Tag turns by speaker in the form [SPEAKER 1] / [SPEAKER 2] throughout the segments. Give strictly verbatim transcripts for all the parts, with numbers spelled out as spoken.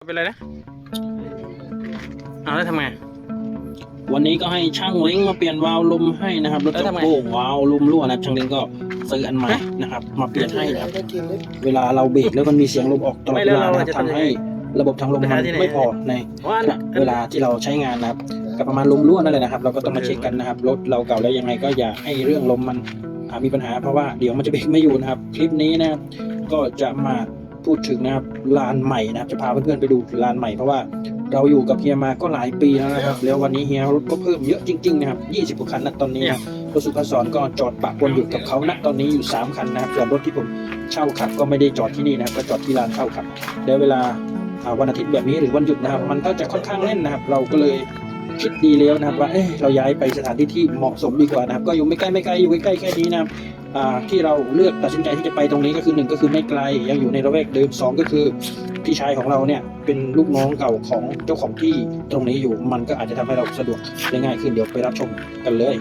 [SPEAKER 1] เป็นไรนะเอาแล้วทำไง
[SPEAKER 2] วันนี้ก็ให้ช่างเล้งมาเปลี่ยนวาล์วลมให้นะครับรถจักรโก้วาล์วลมรั่วนะช่างเล้งก็ซื้ออันใหม่นะครับมาเปลี่ยนให้นะครับเวลาเราเบรกแล้วมันมีเสียงลมออกตลอดเวลานะครับทำให้ระบบทางลมมันไม่พอในเวลาที่เราใช้งานนะครับกับประมาณลมรั่วนั่นแหละนะครับเราก็ต้องมาเช็คกันนะครับรถเราเก่าแล้วยังไงก็อย่าให้เรื่องลมมันมีปัญหาเพราะว่าเดี๋ยวมันจะเบรกไม่อยู่นะครับคลิปนี้นะครับก็จะมาพูดถึงนะครับลานใหม่นะครับจะพาเพื่อนๆไปดูลานใหม่เพราะว่าเราอยู่กับเฮียมาก็หลายปีแล้วนะครับแล้ววันนี้เฮียรถก็เพิ่มเยอะจริงๆนะครับยี่สิบกว่าคันนะตอนนี้นะรถสุขสรก็จอดปะปนอยู่กับเขาณตอนนี้อยู่สามคันนะครับส่วนรถที่ผมเช่าขับก็ไม่ได้จอดที่นี่นะครับก็จอดที่ลานเช่าขับแล้วเวลาวันอาทิตย์แบบนี้หรือวันหยุดนะครับมันก็จะค่อนข้างแน่นนะครับเราก็เลยคิดดีแล้วนะครับว่าเอ๊ะเราย้ายไปสถานที่ที่เหมาะสมดีกว่านะครับก็อยู่ไม่ใกล้ไม่ไกลอยู่ใกล้ๆแค่นี้นะครับที่เราเลือกตัดสินใจที่จะไปตรงนี้ก็คือหนึ่งก็คือไม่ไกลยังอยู่ในระแวกเดิมสองก็คือพี่ชายของเราเนี่ยเป็นลูกน้องเก่าของเจ้าของที่ตรงนี้อยู่มันก็อาจจะทำให้เราสะดวกได้ง่ายขึ้นเดี๋ยวไปรับชมกันเลย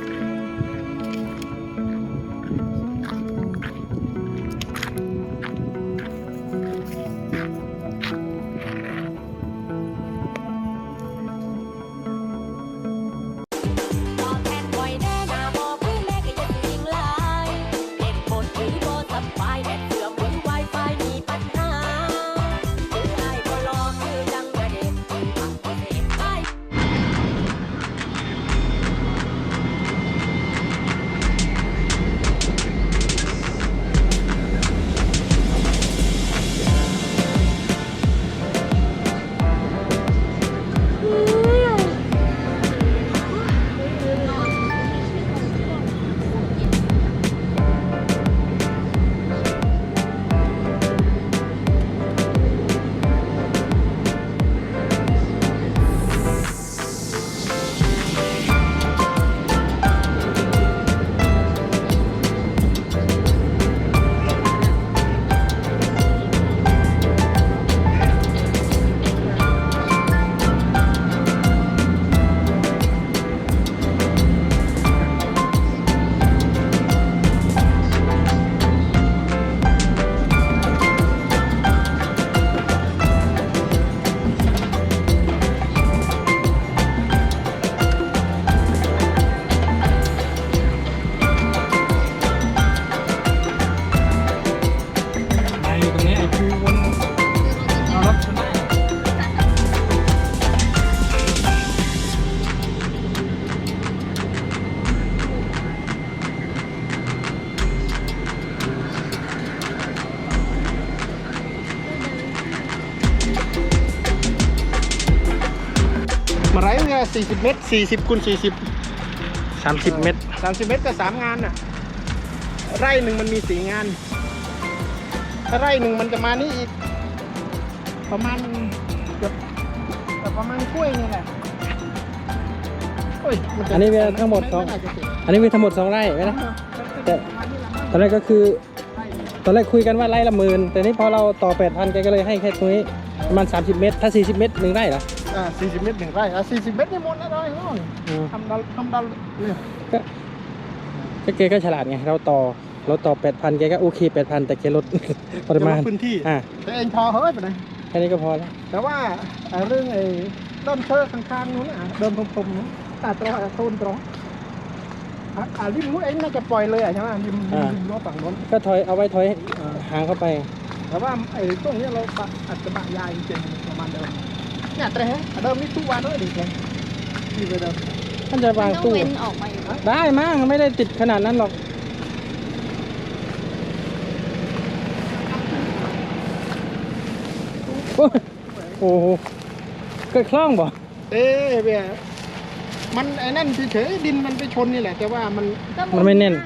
[SPEAKER 3] มาไรเนี่ยสี่สิบเมตรสี่สิบคูณสี่สิบ
[SPEAKER 1] สามสิบเมตร
[SPEAKER 3] สามสิบเมตรก็สามงานน่ะไร่หนึ่งมันมีสี่งานถ้าไร่หนึ่งมันจะมานี่อีกประมาณเกือบประมาณกล้วยนี่แหละ
[SPEAKER 1] อันนี้เป็นทั้งหมดสองอันนี้มีทั้งหมดสองไร่ไหมนะแต่ตอนแรกก็คือตอนแรกคุยกันว่าไร่ละหมื่นแต่นี่พอเราต่อแปดพันแกก็เลยให้แค่ตรงนี้ประมาณสามสิบเมตรถ้าสี่สิบเมตรหนึ่งไร่เหรอ
[SPEAKER 3] อ่าสี่สิบเมตรหนึ่งไร่อ่ะสี่สิบเมตรนี่หมดแล้วเลยทำดันทำดันเนี่ย
[SPEAKER 1] ก็แกก็ฉลาดไงเราต่อเราต่อแปดพันแกก็โอเคแปดพันแต่แกลดปริมาณ
[SPEAKER 3] พื้นที่อ่าแต่เองพอเฮ้ยไปไหน
[SPEAKER 1] แค่นี้ก็พอแล้ว
[SPEAKER 3] แต่ว่าเรื่องไอ้ต้นเชือกข้างๆนู้นอ่ะเดินตรงๆนู้นตาตรงโซนตรงอ่าริมนู้นเองน่าจะปล่อยเลยอ่ะใช่ไหมริมริมรั้วฝั่งนู้น
[SPEAKER 1] ก็ถอยเอาไว้ถอยห่างเข้าไป
[SPEAKER 3] แต่ว่าไอ้ตรงนี้เราอาจจะบะยายจริงๆประมาณเดิมเนี่ยแต่เดิมนี่ตู้วางด้วยดิเลยที่ไปเดิม
[SPEAKER 1] ท่านจะวางตู้ได้มั้งไม่ได้ติดขนาดนั้นหรอกโอ้โหเกิดคล่องบ่
[SPEAKER 3] เอ๊ะเบี้ยมันไอ้นั่นเฉยๆดินมันไปชนนี่แหละแต่ว่ามัน
[SPEAKER 1] มันไม่แน่น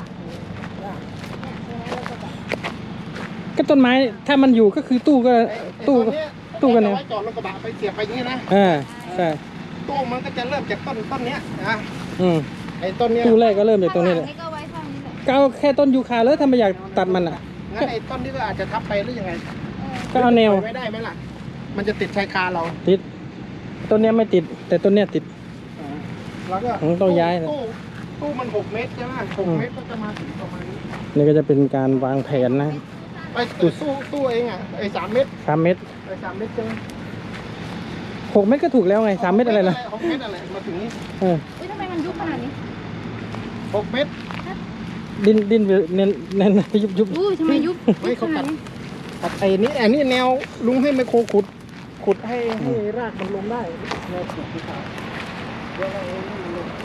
[SPEAKER 1] ก็ต้นไม้ถ้ามันอยู่ก็คือตู้ก็ตู้ตู้กันเนี่ย
[SPEAKER 3] จอดรถกระบะไปเสียบไปอย่างนี้นะ
[SPEAKER 1] อ่าใช่
[SPEAKER 3] ตู้มันก็จะเริ่มจากต้นต้นเนี้ยนะ
[SPEAKER 1] อืม
[SPEAKER 3] ไอ้ต้นเนี้ย
[SPEAKER 1] ตู้แรกก็เริ่มจากตรงนี้แหละก็เอาแค่ต้นยูคาเลยถ้าไม่อยากตัดมันอ่ะ
[SPEAKER 3] งั้นไอ้ต้นนี้ก็อาจจะทับไปหรือยังไง
[SPEAKER 1] ก็เอาแนว
[SPEAKER 3] ไม่ได้ไหมล่ะมันจะติดชายคาเรา
[SPEAKER 1] ติดต้นเนี้ยไม่ติดแต่ต้นเนี้ยติด
[SPEAKER 3] แล้วก็
[SPEAKER 1] ต้องย้าย
[SPEAKER 3] ตู้ตู้มันหกเมตรใช่ไหมหกเมตรก็จะมาถึงประมาณนี้
[SPEAKER 1] นี่ก็จะเป็นการวางแผนนะ
[SPEAKER 3] ไอ้ตู้ตู้ตู้เองอ่ะไอ้สามเมตร
[SPEAKER 1] สามเมตร
[SPEAKER 3] ไอ้สามเมตรใช่ไหม
[SPEAKER 1] หกเมตรก็ถูกแล้วไงสามเมตรอะไรล่ะ
[SPEAKER 3] หกเมตรอะไรมาถึงนี้
[SPEAKER 1] เออ
[SPEAKER 4] อุ้ยทำไมมันยุบขนาดนี้
[SPEAKER 3] หกเมตร
[SPEAKER 1] ดินดินเน้นเน้นยุบยุบ
[SPEAKER 4] อุ้ยทำไมยุบ
[SPEAKER 3] ไม่เขาตัดตัดไอ้นี่ไอ้นี่แนวลุงให้ไมโครขุด ขุดให้ให้รากมันลงได้แนวขุดที่ขาเดี๋ยวเราเอาให้มันลง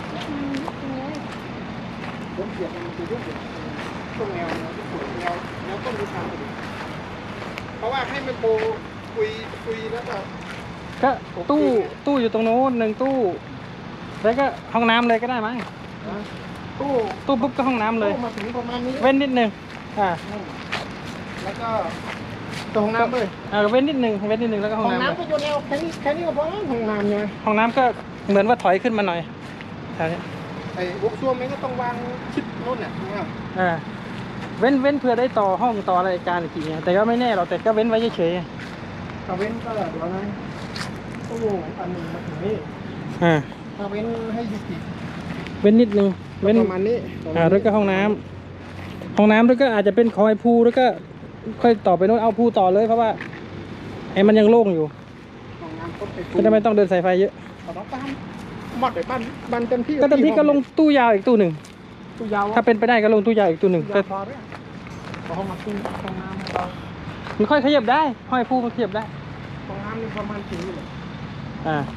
[SPEAKER 3] ผมเสียบมันจะยุบอยู่ตรงแนวแนวที่ขุดแนวแนวต้นที่ขาเพราะว่าให้ไมโครคุยคุยแล้วก็
[SPEAKER 1] ก็ตู้ตู้อยู่ตรงโน้นหนึ่งตู้แล้วก็ห้องน้ำเลยก็ได้มั้ง
[SPEAKER 3] ตู้
[SPEAKER 1] ตู้ปุ๊บก็ห้องน้ำเลย
[SPEAKER 3] ตู้มาถึงประมาณนี้
[SPEAKER 1] เว้นนิดนึงอ่า
[SPEAKER 3] แล้วก็ตรงห้องน้ำเลย
[SPEAKER 1] อ่าเว้นนิดนึงเว้นนิดนึงแล้วก็ห้
[SPEAKER 3] ห้
[SPEAKER 1] อ
[SPEAKER 3] อง ง
[SPEAKER 1] น้ำ
[SPEAKER 3] น้ำก็อยู่แนวแค่นี้แค่นี้ก็พอห้องน้ำใช่ไหม
[SPEAKER 1] ห้องน้ำก็เหมือนว่าถอยขึ้นมาหน่อยแถวนี้
[SPEAKER 3] ไอ้บุกซ่วมมันก็ต้องวางชิดโน่นเนี่ยนะ
[SPEAKER 1] อ่าเว้นเว้นเพื่อได้ต่อห้องต่ออะไรการอีกทีเงี้ยแต่ก็ไม่แน่หรอกแต่ก็เว้นไว้เฉย
[SPEAKER 3] ถ้าเว้นก็เดี๋ยวนะตู้อันหนึ่งมาถึงนี่
[SPEAKER 1] ๆอ่า
[SPEAKER 3] ถ้าเว้นให้อยู่กี่
[SPEAKER 1] เว้นนิดนึงเว้น
[SPEAKER 3] ประมาณนี้
[SPEAKER 1] อ่าแล้วก็ห้องน้ำห้องน้ำแล้วก็อาจจะเป็นคอยพูแล้วก็ค่อยต่อไปโน้นเอาพูต่อเลยเพราะว่าไอ้มันยังโล่งอยู่
[SPEAKER 3] ห้องน้ำก็ไป
[SPEAKER 1] ก็จะไม่ต้องเดินสายไฟเยอะ
[SPEAKER 3] ต่อต้องตามหมดเลยบ้านบ้านเต็มที่
[SPEAKER 1] ก็เต็มที่ก็ลงตู้ยาวอีกตู้หนึ่ง
[SPEAKER 3] ตู้ยาว
[SPEAKER 1] ถ้าเป็นไปได้ก็ลงตู้ยาวอีกตู้หนึ่ง
[SPEAKER 3] ตู้
[SPEAKER 1] ก็
[SPEAKER 3] ยาวพอแล้วพอห้องน้ำตู้ห้องน้ำเรา
[SPEAKER 1] มันค่อยขยับได้ห้อยพูมันขยับได้
[SPEAKER 3] ห้องน้ำนี่ประมาณกี่เลย
[SPEAKER 1] อ่า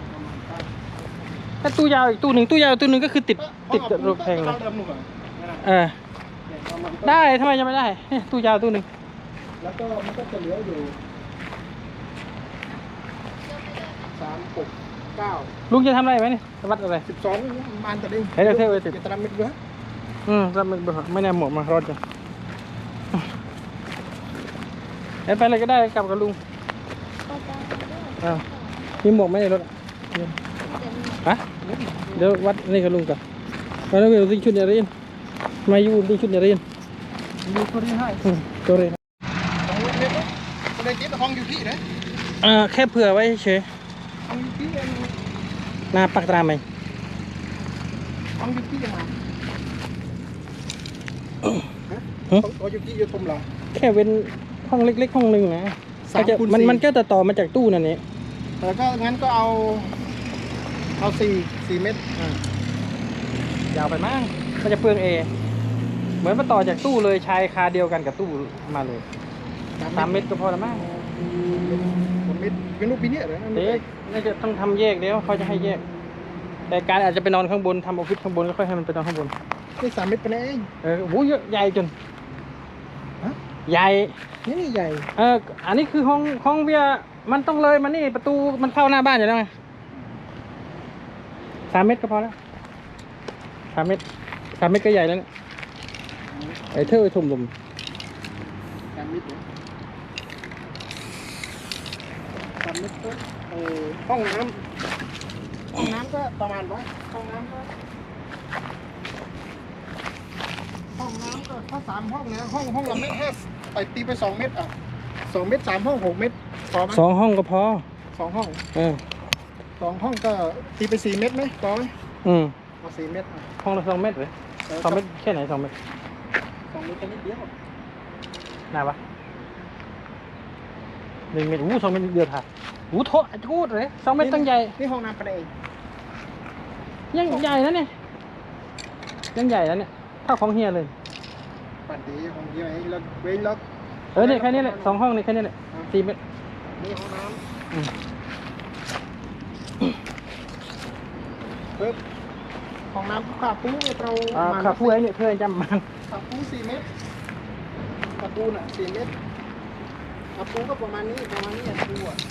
[SPEAKER 1] ถ้าตู้ยาวอีกตู้หนึ่งตู้ยาวตู้หนึ่งก็คือติดติดกับรถแพงเลย
[SPEAKER 3] เดิมหนุ่มอ่ะ
[SPEAKER 1] เออได้ทำไมจะไม่ได้เนี่ยตู้ยาวตู้หนึ่ง
[SPEAKER 3] แล้วก็มันก็จะเหลืออยู่สามหกเก้า
[SPEAKER 1] ลุงจะทำอะไรไหมเนี่ยวัดอะไร
[SPEAKER 3] สิบสองบานตะลิง
[SPEAKER 1] เฮ้ยเดี๋ยวเท่ไว้ติด
[SPEAKER 3] จะตามมิดเยอะ
[SPEAKER 1] อืมรับมันไม่แน่หมดมารอดกันเอ้ยไปเลยก็ได้กลับกับลุงอ้าวมีหมวกไหมในรถฮะเดี๋ยววัดนี่กับลุงก่อนมาแล้วเวลติ้งชุดเนี่ยเรียนมาอยู่ติ้งชุดเนี่ยเรียน
[SPEAKER 3] มีคนที่ให้
[SPEAKER 1] อืมตัวเรียน
[SPEAKER 3] ของลูกเล็กคนในจิ๊บห้องอยู่ที่ไหน
[SPEAKER 1] อ่าแค่เผื่อไว้เฉย
[SPEAKER 3] ห้องอยู่ที่เอง
[SPEAKER 1] หน้าปักตราไหม
[SPEAKER 3] ห้องอยู่ที่ยังไง
[SPEAKER 1] ฮะ
[SPEAKER 3] ห้องอยู่ที่อยู่ตรงหลัง
[SPEAKER 1] แค่เว้นห้องเล็กๆห้องหนึ่งนะ
[SPEAKER 3] สาม
[SPEAKER 1] ก็จะ
[SPEAKER 3] คูณ
[SPEAKER 1] มัน
[SPEAKER 3] สี่
[SPEAKER 1] มันก็จะต่อมาจากตู้นั่นเอง
[SPEAKER 3] แล้วก็งั้นก็เอาเอาสี่สี่เมตร
[SPEAKER 1] ยาวไปมั้งก็จะเปลืองเอเหมือนมาต่อจากตู้เลยชายคาเดียวกันกับตู้มาเลยสามเมตรก็พอละมั้ง
[SPEAKER 3] สามเมตรเป็นรูปปีนี้เหรอ
[SPEAKER 1] เด็กน่าจะต้องทำแยกเดี๋ยวเขาจะให้แยก แต่การอาจจะไปนอนข้างบนทำออฟฟิศข้างบนแล้วค่อยให้มันไปนอนข้างบน
[SPEAKER 3] นี่สามเมตรเป็นเอง
[SPEAKER 1] เออโหเยอะใหญ่จน
[SPEAKER 3] ฮะ
[SPEAKER 1] ใหญ่
[SPEAKER 3] นี่นี่ใหญ่
[SPEAKER 1] เอออันนี้คือห้องห้องเบียร์มันต้องเลยมันนี่ประตูมันเข้าหน้าบ้านอยู่แล้วไงสามเมตรก็พอแล้วสามเมตรสามเมตรก็ใหญ่แล้วเนี่ยไอ้เท่าไอ้ทุ่มลม
[SPEAKER 3] สามเมตรสามเมตรก็เออห้องน้ำห้องน้ำก็ประมาณว่าห้องน้ำก็ห้องน้ำก็ถ้าสามห้องนะห้องห้องละเมตรห้าไปตีไปสองเมตรอ่ะสองเมตรสามห้องหกเมตรพอไหม
[SPEAKER 1] สองห้องก็พอ
[SPEAKER 3] สองห้อง
[SPEAKER 1] เออ
[SPEAKER 3] สองห้องก็ตีไปสี่เมตรไหมพอไหม
[SPEAKER 1] อืม
[SPEAKER 3] เอาสี่เมตรอ่ะ
[SPEAKER 1] ห้องละสองเมตรเลยสองเมตรแค่ไหนสองเมตร
[SPEAKER 3] สองเมตรแค่นิดเดียว
[SPEAKER 1] หนาปะหนึ่งเมตรอู้สองเมตรเดียวถ่ายอู้โทษพูดเลยสองเมตรตั้งใหญ่
[SPEAKER 3] นี่ห้องน้ำประเดี๋ยว
[SPEAKER 1] ยังใหญ่นะเนี่ยยังใหญ่แล้วเนี่ยเท่าของเฮียเลย
[SPEAKER 3] ปัดดีห้องเดียวไอ้แล้วเว้นแล้ว
[SPEAKER 1] เออเนี่ยแค่นี้แหละสองห้องนี่แค่นี้แหละสี่เมตร
[SPEAKER 3] นี่ห้องน้
[SPEAKER 1] อืม
[SPEAKER 3] ำปึ๊บห้องน้ำขาปูเรา
[SPEAKER 1] อ่า
[SPEAKER 3] มา
[SPEAKER 1] ขับผู้ไอ้เนี่ยเพื่อนจำมัน
[SPEAKER 3] ขาปูสี่เมตรขาปูน่ะสี่เมตรขาปูก็ประมาณนี้ประมาณนี้ขาปูอ่ะ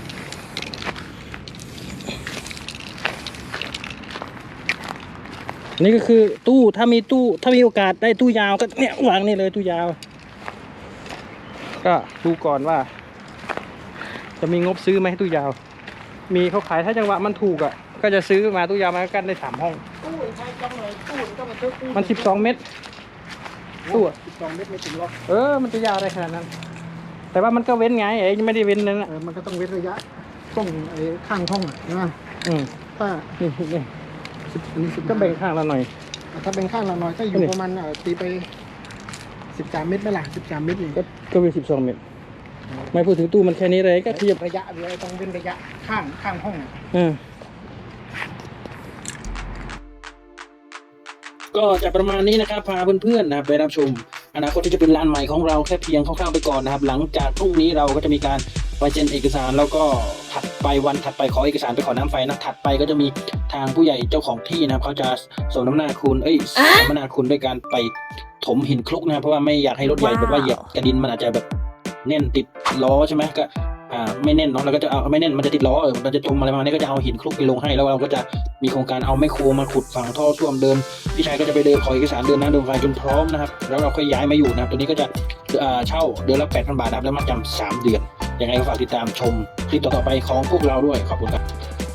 [SPEAKER 1] นี่ก็คือตู้ถ้ามีตู้ถ้ามีโอกาสได้ตู้ยาวก็เนี่ยวางนี่เลยตู้ยาว ก็ดูก่อนว่า จะมีงบซื้อไหมตู้ยาว มีเขาขายถ้าจังหวะมันถูกอ่ะก็จะซื้อมาตู้ยาวมากันได้สามห้อง
[SPEAKER 3] ตู้ใช้จังเลยตู้ก็มาเจอตู้
[SPEAKER 1] มันสิบสองเมตรตู้อะ
[SPEAKER 3] สิบสองเมตรไม่ถึงหรอก
[SPEAKER 1] เออมันจะยาวอะไรขนาดนั้น แต่ว่ามันก็เว้นไงเอ้ยไม่ได้เว้นนั่น
[SPEAKER 3] เอ
[SPEAKER 1] นะ
[SPEAKER 3] อมันก็ต้องเว้นระยะช่องไอ้ข้างห้องอ่ะนะ
[SPEAKER 1] อืม
[SPEAKER 3] ถ้า
[SPEAKER 1] นี่นี่
[SPEAKER 3] สิบอันนี้สิบ
[SPEAKER 1] ก็แบ่งข้างละหน่อย
[SPEAKER 3] ถ้าเป็นข้างละหน่อยก็อยู่
[SPEAKER 1] นี่
[SPEAKER 3] ประมาณอ่ะตีไปสิบสามเมตรไหมล่ะสิบสามเมตรนี่
[SPEAKER 1] ก็ก็เป็นสิบสองเมตร ไม่พูดถึงตู้มันแค่นี้เลยก็ขยับ
[SPEAKER 3] ระยะเรือต้องเป็นระยะข้างข้างห้อง
[SPEAKER 1] อ่า
[SPEAKER 2] ก็จะประมาณนี้นะครับพาเพื่อนๆนะครับไปรับชมอนาคตที่จะเป็นร้านใหม่ของเราแค่เพียงคร่าวๆไปก่อนนะครับหลังจากพรุ่งนี้เราก็จะมีการไปเซ็นเอกสารแล้วก็ถัดไปวันถัดไปขอเอกสารไปขอน้ำไฟนะถัดไปก็จะมีทางผู้ใหญ่เจ้าของที่นะครับเขาจะส่งน้ำหน้าคุณเอ้ยส่งน้ำหน้าคุณด้วยการไปถมหินคลุกนะครับเพราะว่าไม่อยากให้รถใหญ่แบบว่าเหยียบกระดินมันอาจจะแบบแน่นติดล้อใช่ไหมก็อ่าไม่แน่นเนาะเราก็จะเอาไม่แน่นมันจะติดล้อเออมันจะจมอะไรประมาณนี้ก็จะเอาหินคลุกไปลงให้แล้วเราก็จะมีโครงการเอาไมโครมาขุดฝังท่อส้วมเดินพี่ชายก็จะไปเดินขอเอกสารเดินนะเดินไฟจนพร้อมนะครับแล้วเราค่อยย้ายมาอยู่นะครับตัวนี้ก็จะอ่าเช่าเดือนละแปดพันบาทนะครับแล้วมาจำสามเดือนยังไงก็ฝากติดตามชมคลิปต่อๆไปของพวกเราด้วยขอบคุณครับ